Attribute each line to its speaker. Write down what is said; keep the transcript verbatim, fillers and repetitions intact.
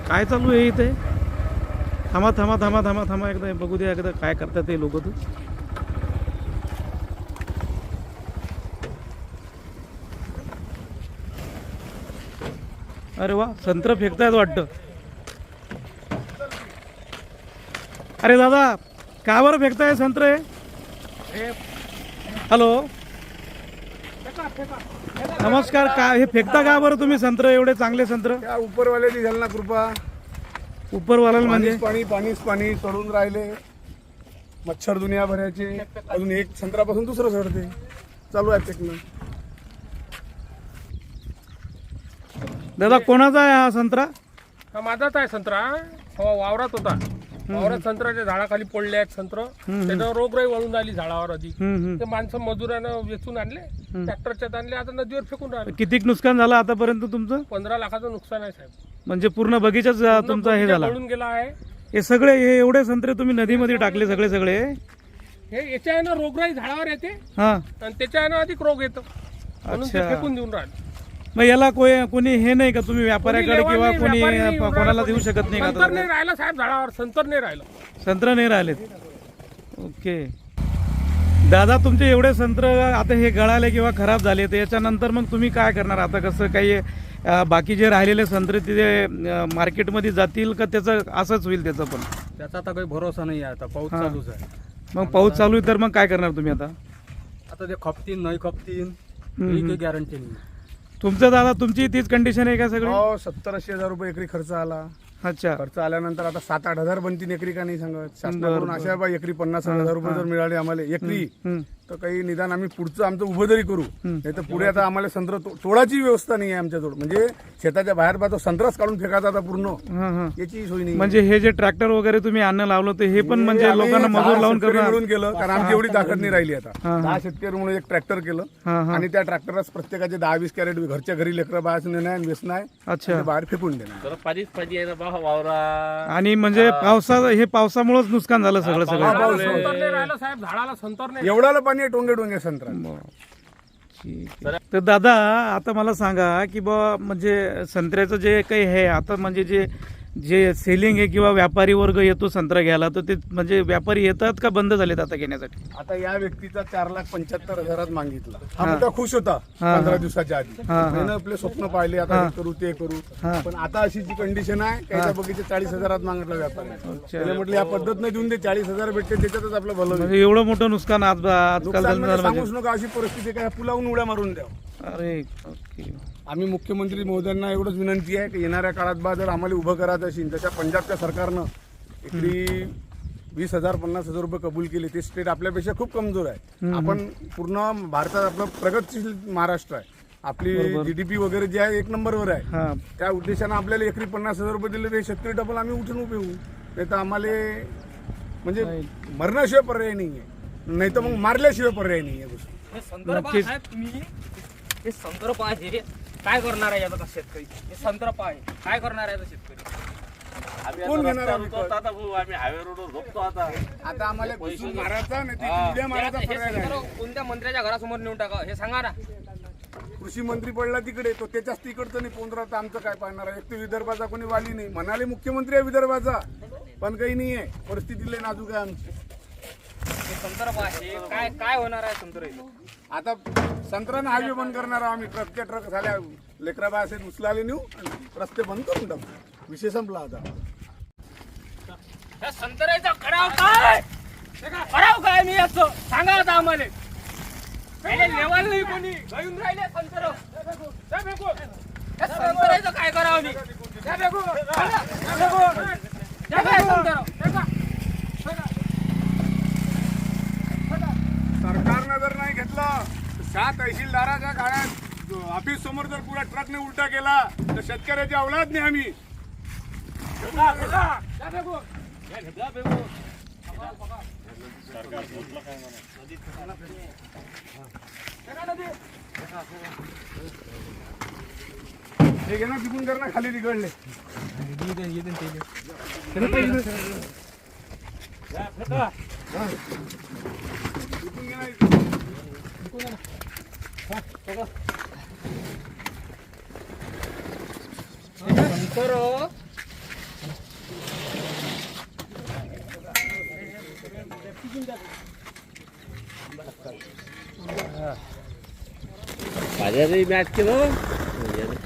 Speaker 1: काय चालू आहे इथे? थांबा थांबा थांबा थांबा थांबा एकदा बघू द्या एकदा काय करतात ते लोक. तर अरे वा, संत्र फेकतायत वाटतं. अरे दादा, का बरं फेकताय संत्र? हॅलो, नमस्कार. का हे फेकता का बरं तुम्ही संत्र, एवढे चांगले संत्र?
Speaker 2: त्या उपरवाल्याची झाली ना कृपा.
Speaker 1: उपरवाल्याला म्हणजे
Speaker 2: पाणी पाणीच पाणी चढून राहिले, मच्छर दुनिया भरायचे. अजून एक संत्रापासून दुसरं चढते, चालू आहे फेकणं.
Speaker 1: दादा, कोणाचा आहे हा संत्रा?
Speaker 3: हा माझाच आहे संत्रा. हो, वावरात होता. वावरात संत्र्याच्या झाडाखाली पडले आहेत संत्र. त्याच्यावर रोगराई वळून आली झाडावर अधिक. ते माणसं मजुरानं वेचून आणले, ट्रॅक्टरच्यात आणले, आता नदीवर फेकून राहिले.
Speaker 1: किती नुकसान झालं आतापर्यंत तुमचं?
Speaker 3: पंधरा लाखाचं नुकसान आहे साहेब.
Speaker 1: म्हणजे पूर्ण बगीचाच तुमचा हे झाला?
Speaker 3: पळून गेला आहे.
Speaker 1: हे सगळे हे एवढे संत्रे तुम्ही नदीमध्ये टाकले सगळे सगळे?
Speaker 3: हे याच्या आहे ना रोगराई झाडावर येते
Speaker 1: हा,
Speaker 3: आणि त्याच्या आहे ना अधिक रोग येतो, म्हणून ते
Speaker 1: अच्छा.
Speaker 3: फेकून देऊन राहिले.
Speaker 1: मग याला कोणी कोणी हे नाही का, तुम्ही व्यापाऱ्याकडे किंवा कोणी कोणाला देऊ शकत नाही
Speaker 3: संतर
Speaker 1: का?
Speaker 3: नाही राहिला साहेब झाडावर, संतर नाही राहिलं.
Speaker 1: संत्र नाही राहिलेत. ओके दादा, तुमचे एवढे संत्र आता हे गळाले किंवा खराब झाले, तर याच्यानंतर मग तुम्ही काय करणार आता? कसं काही अं, बाकी जे राहिलेले संत्रे तिथे अं, मार्केटमध्ये जातील का त्याचं असंच होईल त्याचं पण?
Speaker 4: त्याचा आता काही भरोसा नाही आहे. आता पाऊस
Speaker 1: हा.
Speaker 4: चालूच आहे.
Speaker 1: मग पाऊस चालू आहे तर मग काय करणार तुम्ही आता?
Speaker 4: आता ते खपतीन नाही खपतीन
Speaker 1: हम्म,
Speaker 4: ही
Speaker 1: हम्म.
Speaker 4: काही गॅरंटी नाही.
Speaker 1: तुमचं दादा, तुमची तीच कंडिशन आहे का सगळी?
Speaker 2: हो, सत्तर ऐंशी हजार रुपये एकरी खर्च आला.
Speaker 1: अच्छा.
Speaker 2: खर्च आल्यानंतर आता सात आठ हजार बनतील एकरी, का नाही सांगत.
Speaker 1: बरं,
Speaker 2: शासनाकडून
Speaker 1: बरं.
Speaker 2: अशा बा एकरी पन्नास हजार रुपये जर मिळाले आम्हाला एकरी,
Speaker 1: हम्म.
Speaker 2: तर काही निदान आम्ही पुढचं आमचं उभं तरी करू. नाही तर पुढे आता आम्हाला संत्र तो- तोडाची व्यवस्था नाही आहे आमच्याजवळ. म्हणजे शेताच्या बाहेर बा तो संत्राच काढून फेकायचा आता पूर्ण,
Speaker 1: हा हा.
Speaker 2: याची सोय नाही.
Speaker 1: म्हणजे हे जे ट्रॅक्टर वगैरे तुम्ही आणणं लावलं, तर हे पण म्हणजे
Speaker 2: आम्ही
Speaker 1: लोकांना
Speaker 2: दहा
Speaker 1: मजूर लावून
Speaker 2: शेतकरी
Speaker 1: करणार?
Speaker 2: मिळून केलं, कारण आमची एवढी ताकद नाही राहिली आता.
Speaker 1: हा, हा.
Speaker 2: दहा शेतकरी म्हणून एक ट्रॅक्टर केलं
Speaker 1: हा हा.
Speaker 2: आणि त्या ट्रॅक्टरच प्रत्येकाचे दहा वीस कॅरेट घरच्या घरी लेकरं बाहेर नेणं आहे आणि वेचणं आहे,
Speaker 1: अच्छा.
Speaker 2: आणि ते बाहेर फेकून देणार.
Speaker 5: पाणीच पाणी आहे ना बा वावरा.
Speaker 1: आणि म्हणजे पावसा हे पावसामुळेच नुकसान झालं सगळं सगळं?
Speaker 2: पाऊस-
Speaker 3: संतर नाही राहिलं साहेब, झाडाला संतर नाही.
Speaker 2: एवढाला पाणी आहे टोंगे टोंगे संत्रा.
Speaker 1: ठीक आहे. तर दादा, आता मला सांगा की बा म्हणजे संत्र्याचं जे काही आहे आता, म्हणजे जे जे सेलिंग आहे किंवा व्यापारी वर्ग येतो संत्रा घ्यायला, तर ते म्हणजे व्यापारी येतात का बंद झालेत आता घेण्यासाठी?
Speaker 2: आता या व्यक्तीचा चार लाख पंच्याहत्तर हजारात मागितला. हा
Speaker 1: हा.
Speaker 2: मुद्दा खुश होता
Speaker 1: हा,
Speaker 2: पंधरा
Speaker 1: हा.
Speaker 2: दिवसाच्या आधी.
Speaker 1: हा, हा.
Speaker 2: त्यानं आपले स्वप्न पाहिले, आता
Speaker 1: हा.
Speaker 2: हे करू ते करू.
Speaker 1: हा.
Speaker 2: पण आता अशी जी कंडिशन आहे, त्याच्या बगीचे चाळीस हजारात मागितला व्यापारी. त्याला म्हटलं या पद्धत देऊन दे, चाळीस हजार भेटते त्याच्यातच आपलं भलं होईल.
Speaker 1: म्हणजे एवढं मोठं नुकसान आज आजकाल
Speaker 2: नुकसान
Speaker 1: झालं
Speaker 2: म्हणजे
Speaker 1: म्हणजे?
Speaker 2: सांगूच नका, अशी परिस्थिती काय पुलावून उड्या मारून द्या.
Speaker 1: अरे ओके.
Speaker 2: आम्ही मुख्यमंत्री महोदयांना एवढंच विनंती आहे की येणाऱ्या काळात बा जर आम्हाला उभं करायचं असेल, तशा पंजाबच्या सरकारनं एकरी वीस हजार पन्नास हजार रुपये कबूल केले. ते स्टेट आपल्यापेक्षा खूप कमजोर आहे. आपण पूर्ण भारतात आपलं प्रगतशील महाराष्ट्र आहे. आपली जीडीपी वगैरे जे आहे एक नंबरवर आहे.
Speaker 1: हा.
Speaker 2: त्या उद्देशानं आपल्याला एकरी पन्नास हजार रुपये दिले, ते शेतकरी डबल आम्ही उठून उभे होऊ. नाही तर आम्हाला म्हणजे मरण्याशिवाय पर्याय नाही आहे, नाही तर मग मारल्याशिवाय पर्याय नाही आहे. गोष्ट
Speaker 6: हे संदर्भ
Speaker 1: नक्कीच.
Speaker 6: आहे तुम्ही, हे संदर्भ आहे. काय करणार आहे याचा शेतकरी? हे संदर्भ आहे, काय करणार आहे याचा शेतकरी?
Speaker 5: आम्ही
Speaker 2: कोण
Speaker 5: आता
Speaker 2: घेणार
Speaker 5: रस्त्यावर
Speaker 2: आम्ही
Speaker 5: उतरतो आता भाऊ, आम्ही हायवे रोडवर झोपतो आता.
Speaker 2: आता आम्हाला घुसून मारायचा नाही तर उड्या मारायचा
Speaker 6: हे
Speaker 2: पर्याय नाही.
Speaker 6: संदर्भ कोणत्या मंत्र्याच्या घरासमोर नेऊन टाका हे सांगा ना.
Speaker 2: कृषी मंत्री पडला तिकडे, तो त्याच्याच तिकडचं नाही पोंद्रा, तर आमचं काय पाहणार आहे? एक तर विदर्भाचा कोणी वाली नाही. म्हणाले मुख्यमंत्री आहे विदर्भाचा, पण काही नाही आहे. परिस्थिती लय नाजूक आहे आमची.
Speaker 6: हे संदर्भ आहे, काय काय होणार आहे संदर्भ?
Speaker 2: आता संत्र्यानं हायवे बंद करणार आहोत आम्ही. ट्रकच्या ट्रक झाल्या, लेकराबा असे उचलाले नेऊ आणि रस्ते बंद करून टाकू. विषय संपला आता.
Speaker 6: या संत्र्याचा कराव काय? कराव काय मी याचं सांगा आता आम्हाला. पहिले लेवल नाही कोणी घेऊन राहिले संत्र. या संत्र्याचं काय करावं मी? या बेगू. या बेगू. या बेगू संत्र.
Speaker 2: सरकारनं जर नाही घेतलं, सात तहसीलदाराच्या गाड्यात ऑफिस समोर जर पुरा ट्रकने उलटा केला, तर शेतकऱ्याची औलाद नाही आम्ही. हे घे ना, तिकून कर ना, खाली तिकडले. तिकून घे ना.
Speaker 6: संत्र
Speaker 5: माझ्याही मॅच केलं